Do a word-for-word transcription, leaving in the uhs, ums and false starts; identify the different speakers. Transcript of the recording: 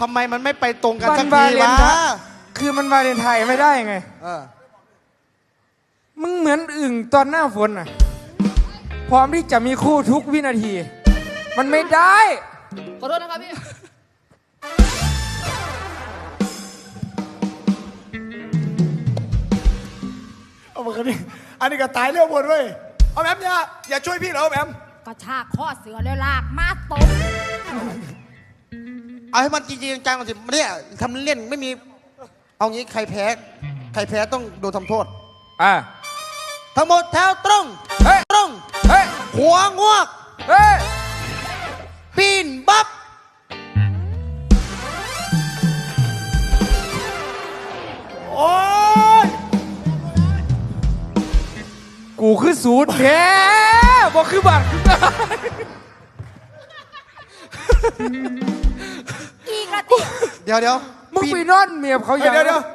Speaker 1: ทำไมมันไม่ไปตรงกัน
Speaker 2: วั
Speaker 1: สั
Speaker 2: น
Speaker 1: ก
Speaker 2: วา
Speaker 1: ที
Speaker 2: เลน
Speaker 1: วะ
Speaker 2: ไทน์คือมันวาเลนไทน์ไม่ได้ไง
Speaker 1: เออ
Speaker 2: มึงเหมือนอึ่งตอนหน้าฝนอ่ะพร้อมที่จะมีคู่ทุกวินาที มันไม่ได้
Speaker 3: ขอโทษนะครับพี่
Speaker 4: เอามากันนี่อันนี้ก็ตายเรื่องบนเว้ยเอาแอมเนี่ยอย่าช่วยพี่เหรอแอม
Speaker 5: กระชากข้อเสือแล้วลากมาตบ
Speaker 1: เอาให้มันจริงๆจังๆก่อนสิเนี่ยทำเล่นไม่มี เอางี้ใครแพ้ ใครแพ้ต้องโดนทำโทษ
Speaker 2: อ่ะ
Speaker 1: ทั้งหมดแถวตรง
Speaker 2: เฮ้ย
Speaker 1: ตรง
Speaker 2: เฮ้ย
Speaker 1: หัวงวก
Speaker 2: เฮ้ย
Speaker 1: ปีนบับ
Speaker 4: โอ้ย
Speaker 2: กูคือสูตรแท้บอกคือบัตร
Speaker 5: อีกระติ
Speaker 1: เดี๋ยวเดี๋ยว
Speaker 2: มึง
Speaker 1: ปี
Speaker 2: ไป
Speaker 1: น
Speaker 2: นอนเมียเขาอ
Speaker 4: เดี๋
Speaker 2: ย่าย ง
Speaker 4: วเดี๋ยว